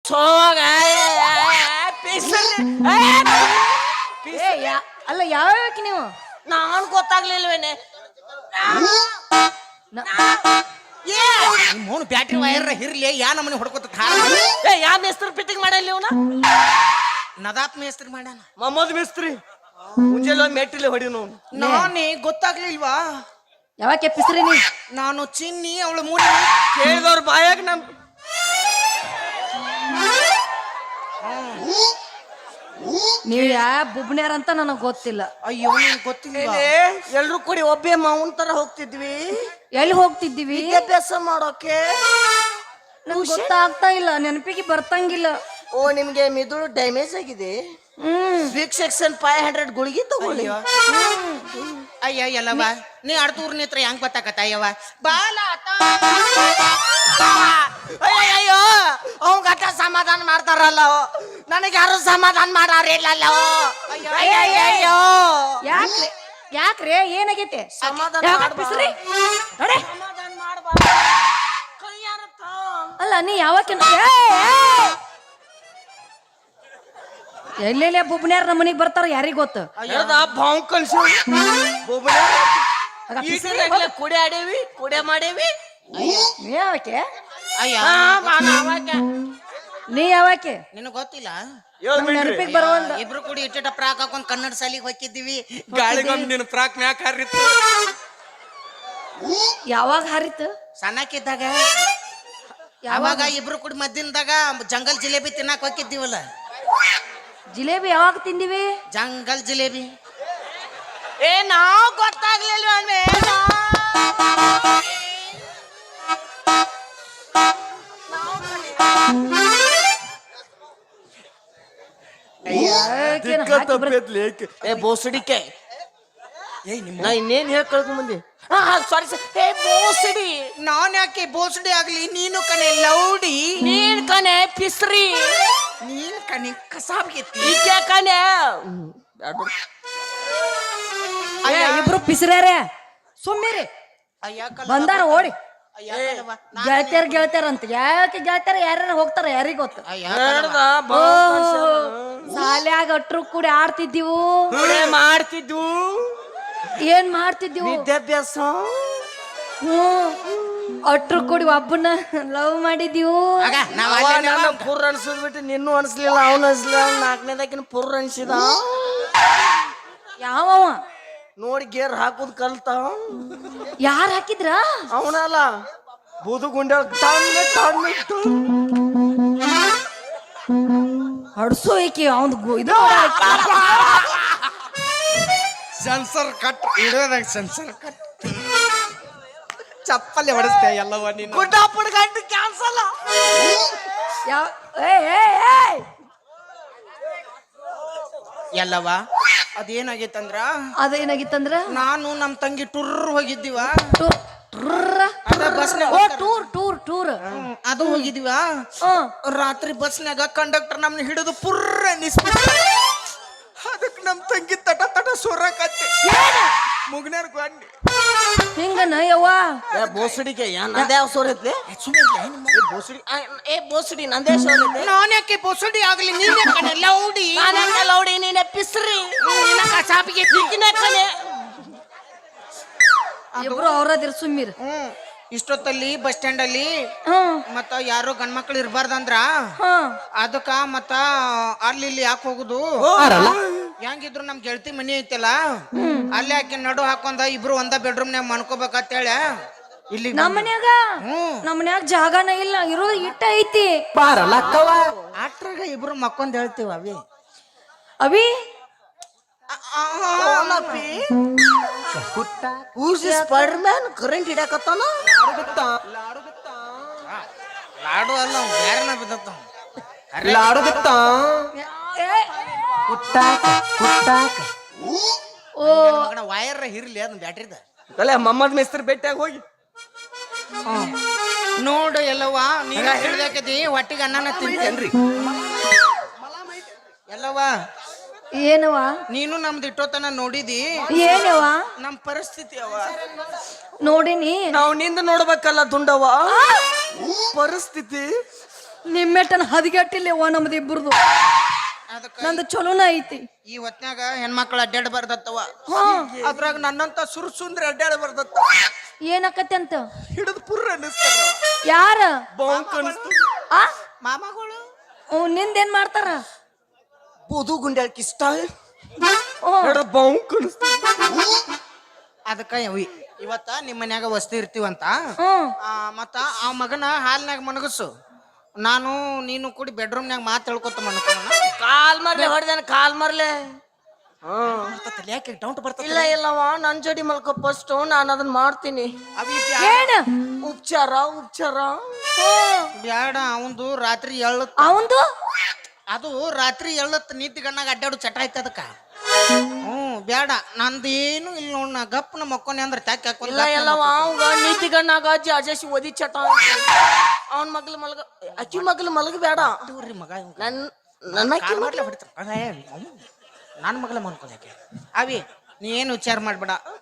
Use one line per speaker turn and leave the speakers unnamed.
ಸೋಗ
ಅಲ್ಲ ಯಾವ್ಯಾಕೆ ನೀವು
ನಾನು ಗೊತ್ತಾಗ್ಲಿಲ್ವೇನೆ
ಮೌನ ಬ್ಯಾಟ್ರಿ ವೈರ್ ಹಿರ್ಲಿ ಯಾ ನಮ್ಮನೆ ಹೊಡ್ಕೊತ
ಯಾವ ಮೇಸ್ತ್ರಿ ಫಿಟ್ಟಿಂಗ್ ಮಾಡಲ್ಲ ಇವನ
ನದಾತ್ ಮೇಸ್ತ್ರಿ ಮಾಡ್ಯಾನ
ಮೊಹಮ್ಮದ್ ಮೇಸ್ತ್ರಿ ಮುಂಜಾನೆ ಮೆಟ್ಟಿಲೆ ಹೊಡಿನು
ನಾನೇ ಗೊತ್ತಾಗ್ಲಿಲ್ವಾ
ಯಾವಾಗ ಕೆಪ್ಪಿಸ್ರಿ ನೀ
ನಾನು ಚಿನ್ನಿ ಅವಳು ಮೂಡಿ
ಕೇಳಿದವ್ರ ಬಾಯಾಗ ನಮ್
ನೀವ್ ಬುಬ್ನ್ಯಾರ ಅಂತ ನನಗ್ ಗೊತ್ತಿಲ್ಲ.
ಅಯ್ಯೋ ನಿನ್ ಗೊತ್ತಿಲ್ಲ
ಎಲ್ರು ಕೂಡಿ ಒಬ್ಬೇ ಮಾವನ್ ತರ ಹೋಗ್ತಿದ್ವಿ
ಎಲ್ಲಿ ಹೋಗ್ತಿದ್ದೀವಿ
ವಿದ್ಯಾಭ್ಯಾಸ ಮಾಡೋಕೆ
ನಂಗೆ ಗೊತ್ತಾಗ್ತಾ ಇಲ್ಲ, ನೆನಪಿಗೆ ಬರ್ತಂಗಿಲ್ಲ.
ಓ ನಿಮ್ಗೆ ಮಿದುಳು ಡ್ಯಾಮೇಜ್ ಆಗಿದೆ. ವೀಕ್ ಸೆಕ್ಷನ್ 500 ಗುಳಿಗೆ ತಗೊಳ್ಳಿ.
ಅಯ್ಯ ಎಲ್ಲವ ನೀ ಅಡ್ತೂರ್ ನಿತ್ರ ಹೆಂಗ್ ಗೊತ್ತಾಕತ್ತ ಅಯ್ಯವ ಬಾಲ
ಅಯ್ಯೋ ಅವ್ ಗಟ್ಟ ಸಮಾಧಾನ ಮಾಡ್ತಾರಲ್ಲ ನನಗೆ ಯಾರು ಸಮಾಧಾನ ಮಾಡಾರಿಲ್ಲ. ಅಯ್ಯಯ್ಯೋ
ಯಾಕ್ರೆ ಯಾಕ್ರೆ ಏನಾಗೈತೆ?
ಸಮಾಧಾನ
ಕೆಪ್ಪಿಸ್ರಿ ನೋಡಿ.
ಸಮಾಧಾನ ಮಾಡ್ಬಾರ್ದು.
ಅಲ್ಲ ನೀ ಯಾವಾಗ ಎಲ್ಲೆಲ್ಲ ಬುಬ್ನ್ಯಾರ ನಮ್ಮ ಮನೆಗೆ ಬರ್ತಾರ ಯಾರಿಗ ಗೊತ್ತ?
ಬಾವು ಕಲ್ಸಿ ಕುಡಿ ಆಡೇವಿ ಕುಡಿ ಮಾಡೇವಿ.
ನೀ ಯಾವಕ್ಕೆ
ಅಯ್ಯ
ನೀ ಯಾವಕ್ಕೆ
ನಿನಗ್ ಗೊತ್ತಿಲ್ಲ
ನೆನಪಿಗೆ ಬರುವಂತ
ಇಬ್ರು ಕೂಡಿ ಇಟ್ಟಿಟ ಪ್ರಾಕ್ ಹಾಕೊಂಡ್ ಕನ್ನಡ ಸಾಲಿಗೆ ಹೋಗಿದ್ದೀವಿ.
ಗಾಳಿಗೊಮ್ಮೆ ನಿನ್ನ ಪ್ರಾಕ್ ಮ್ಯಾಕ್ ಹಾರಿತ್ತು.
ಯಾವಾಗ ಹಾರಿತ್ತು?
ಸಣ್ಣಕ್ಕಿದ್ದಾಗ ಅವಾಗ ಇಬ್ರು ಕೂಡಿ ಮದ್ದಿನದಾಗ ಜಂಗಲ್ ಜಿಲೇಬಿ ತಿನ್ನಕ್ ಹೋಗಿದ್ದೀವಲ್ಲ.
ಜಿಲೇಬಿ ಯಾವಾಗ ತಿಂದಿವಿ?
ಜಂಗಲ್ ಜಿಲೇಬಿ
ನಾವು ಗೊತ್ತಾಗ್ಲಿಲ್ಲ. ಬೋಸಡಿಕೆ ನಾ ಇನ್ನೇನ್ ಹೇಳಿ ಕಳ್ಕೊಂಡ್ ಬಂದಿ. ಸಾರಿ ಬೋಸಡಿ
ನಾನ್ ಯಾಕೆ ಬೋಸಡಿ ಆಗ್ಲಿ ನೀನು ಕಣೆ ಲೌಡಿ
ನೀನ್ ಕಣೆ ಪಿಸ್ರಿ
ನೀನ್ ಕಣೆ ಕಸಾಬ್ಗೆತ್ತಿ
ಈಕೆ ಕಣೆ
ಇಬ್ರು ಪಿಸ್ರ್ಯಾರೆ ಸುಮ್ಮಿರಿ ಬಂದಾರ ಓಡಿ. ಗೆಳತ್ಯಾರ ಗೆಳತ್ಯಾರ ಅಂತ ಯಾಕೆ ಗೆಳತ್ಯಾರ ಯಾರ್ಯಾರ ಹೋಗ್ತಾರ ಯಾರಿಗ ಗೊತ್ತ? ಶಾಲ್ಯಾಗ ಅಟ್ರು ಕೂಡಿ ಆಡ್ತಿದ್ದೀವು,
ಮಾಡ್ತಿದ್ವು.
ಏನ್ ಮಾಡ್ತಿದ್ದೀವು?
ವಿದ್ಯಾಭ್ಯಾಸ.
ಅಟ್ರು ಕೂಡಿ ಒಬ್ಬನ ಲವ್ ಮಾಡಿದೀವು.
ಪುರ್ ಅನ್ಸದ್ ಬಿಟ್ಟು ನಿನ್ನೂ ಅನ್ಸ್ಲಿಲ್ಲ, ಅವನು ಅನ್ಸ್ಲಿಲ್ಲ. ನಾಲ್ಕನೇದಾಕಿನ ಪುರ್ ಅನ್ಸಿದ.
ಯಾವ
ನೋಡಿ ಗೇರ್ ಹಾಕುದ್ ಕಲ್ತ.
ಯಾರ್ ಹಾಕಿದ್ರ?
ಅವನಲ್ಲ ಬೂದು ಗುಂಡ
ಹಡ್ಸೋ ಈಕಿ ಅವನ್ ಇದು
ಸೆನ್ಸರ್ ಕಟ್ ಇಡೋದಾಗ ಸೆನ್ಸರ್ ಕಟ್ ಚಪ್ಪಲಿ ಹೊಡಿಸ್ತೆ ಎಲ್ಲವ ನೀನು.
ಗುಡ್ಡಾಪುರ ಗಂಟು ಕ್ಯಾನ್ಸಲ್.
ಯಾವ
ಎಲ್ಲವ ಅದೇನಾಗೈತಂದ್ರ
ಅದೇನಾಗಿತ್ತಂದ್ರ
ನಾನು ನಮ್ ತಂಗಿ ಟುರ್ ಹೋಗಿದ್ದೀವ.
ಟೂರ್ ಟೂರ್ ಟೂರ್
ಅದು ಹೋಗಿದೀವ. ರಾತ್ರಿ ಬಸ್ನಾಗ ಕಂಡಕ್ಟರ್ ನಮ್ನ ಹಿಡಿದು ಪುರ್ರ ನಿಸ್ಬಿಟ್ಟ. ಅದಕ್ಕೆ ನಮ್ ತಂಗಿ ತಟ ತಟ ಸೊರಕತ್ತೆ ಮುಗ್ನಾರ್ ಗಾಂಡಿ
ಹಿಂಗನ ಯವ್ವ.
ಬೋಸಡಿಗೆ ನಂದೇ ಯಾವ ಸೋರ್ ಐತ್ಲಿ? ಬೋಸಡಿ ಬೋಸಡಿ ನಂದೇ ಸೋರ್ ಐತೆ.
ನಾನ್ ಯಾಕೆ ಬೋಸಡಿ ಆಗ್ಲಿ ನೀನೇ ಕಣೆ ಲೌಡಿ.
ಲೌಡಿ ನೀನೆ ಪಿಸ್ರಿ ಕಸಾಪಿಗೆ ತಿಕ್ಕಿನ ಕಣೆ.
ಇಬ್ರು ಅವ್ರದಿರ್ ಸುಮ್ಮಿರ್.
ಇಷ್ಟೊತ್ತಲ್ಲಿ ಬಸ್ ಸ್ಟ್ಯಾಂಡ್ ಅಲ್ಲಿ ಮತ್ತ ಯಾರು ಗಂಡ್ಮಕ್ಳು ಇರ್ಬಾರ್ದಂದ್ರ ಅದಕ್ಕ ಮತ್ತ ಅಲ್ಲಿ ಇಲ್ಲಿ ಯಾಕೆ ಹೋಗುದು? ಹೆಂಗಿದ್ರು ನಮ್ ಗೆಳತಿ ಮನಿ ಐತಲ್ಲ ಅಲ್ಲಿ ಆಕೆ ನಡು ಹಾಕೊಂಡ ಇಬ್ರು ಒಂದ ಬೆಡ್ರೂಮ್ ನಾಗ ಮನ್ಕೋಬೇಕಂತ ಹೇಳ ಇಲ್ಲಿ
ನಮ್ಮ ಮನ್ಯಾಗ ಜಾಗನ ಇಲ್ಲ, ಇರೋದು ಇಟ್ಟ ಐತಿ.
ಆಟ್ರಾಗ ಇಬ್ರು ಮಕ್ಕೊಂದ್ ಹೇಳ್ತೀವ ಅವಿ
ಅವಿ
ಸ್ಪೈಡರ್ಮ್ಯಾನ್ ಕರೆಂಟ್ ಹಿಡಕತ್ತಾನ.
ಲಾಡು ಅಲ್ಲ ಬ್ಯಾರನ ಬಿದ್ದತ್ತ ವೈರ್ ಹಿರ್ಲಿ ಅದನ್ನ ಬ್ಯಾಟ್ರಿದ
ಅಲ್ಲ ಮೊಹಮ್ಮದ್ ಮೇಸ್ತ್ರಿ ಭೇಟಿಯಾಗ ಹೋಗಿ
ನೋಡು ಎಲ್ಲವಾ ನೀನು ಹಿಡ್ದಾಕತಿ ಹೊಟ್ಟಿಗೆ ಅನ್ನನ ತಿಂತೇನ್ರಿ ಎಲ್ಲವಾ.
ಏನವ
ನೀನು ನಮ್ದು ಇಟ್ಟೋತನ ನೋಡಿದಿ
ಏನವ
ನಮ್ ಪರಿಸ್ಥಿತಿ ಅವ
ನೋಡಿನಿ.
ನಾವು ನಿಂದ ನೋಡ್ಬೇಕಲ್ಲ ದುಂಡವ ಪರಿಸ್ಥಿತಿ.
ನಿಮ್ಮೆಟ್ಟನ ಹದಿಗೆಟ್ಟಿಲ್ಲವ ನಮ್ದು ಇಬ್ಬರದು
ಅದಕ್ಕ
ನಂದು ಚಲೋನ ಐತಿ
ಈ ಹೊತ್ನ್ಯಾಗ ಹೆಣ್ಮಕ್ಳು ಅಡ್ಡಾಡ ಬರ್ದತ್ತವ
ಹಾ
ಅದ್ರಾಗ ನನ್ನಂತ ಸುರ್ಸುಂದ್ರ ಅಡ್ಡಾಡ ಬರ್ದತ್ತ
ಏನಕ್ಕತ್ತೆ ಅಂತ
ಹಿಡಿದು ಪುರ್ರ ಅನ್ನಿಸ್ತಾರ
ಯಾರ
ಬಾಂಕ್ ಅನಿಸ್ತು
ಆ
ಮಾಮಗಳು
ನಿಂದೇನ್ ಮಾಡ್ತಾರ
ಬೂದು ಗುಂಡ್ಯಾಳ್ ಇಷ್ಟ
ಹ್ಞೂ
ಬಾಂಕ್ ಅನಿಸ್ತು
ಅದಕ್ಕ ಇವತ್ತ ನಿಮ್ಮ ಮನ್ಯಾಗ ವಸ್ತಿ ಇರ್ತೀವಂತ
ಹ್ಞೂ
ಮತ್ತ ಆ ಮಗನ ಹಾಲ್ನಾಗ ಮನಗಸು ನಾನು ನೀನು ಕೂಡಿ ಬೆಡ್ರೂಮ್ನಾಗ ಮಾತು ಹೇಳ್ಕೊತ ಮನ್ಕೋಣ
ಕಾಲ್ ಮರ್ಲೆ ಹೊಡೆದೇನ ಕಾಲ್ ಮರ್ಲೆ
ಯಾಕೆ ಡೌಟ್ ಬರ್ತದೆ
ಇಲ್ಲ ಇಲ್ಲವ ನನ್ ಜೋಡಿ ಮಲ್ಕೋ ಫಸ್ಟ್ ನಾನು ಅದನ್ನ ಮಾಡ್ತೀನಿ
ಏನ
ಉಪಚಾರ ಉಪಚಾರ
ಬ್ಯಾಡ ಅವಂದು ರಾತ್ರಿ ಎಳ್ಳತ್
ಅವಂದು
ಅದು ರಾತ್ರಿ ಎಳ್ಳತ್ ನೀತಿ ಗಣ್ಣಾಗ ಅಡ್ಡಾಡು ಚಟ ಐತೆ ಅದಕ್ಕ ಬ್ಯಾಡ ನಂದೇನು ಇಲ್ಲ ನೋಡ್ ನಾ ಗಪ್ನ ಮಕ್ಕೋನಿ ಅಂದ್ರೆ ಟ್ಯಾಕ್
ಇಲ್ಲ ಇಲ್ಲವ ಅವಾಗ ನೀತಿ ಗಣ್ಣಾಗ ಅಜೇಶಿ ಓದಿ ಚಟ ಅವನ್ ಮಗ್ಲು ಮಲ್ಗ ಅಕ್ಕಿ ಮಗ್ಲು ಮಲಗ ಬೇಡ
ಮಗ
ನನ್ನ ಅಕ್ಕಿ ಮಗ್ಲು
ನನ್ನ ಮಗಳ ಮನ್ಕೋದಕ್ಕೆ ಅವಿ ನೀ ಏನು ವಿಚಾರ ಮಾಡ್ಬೇಡ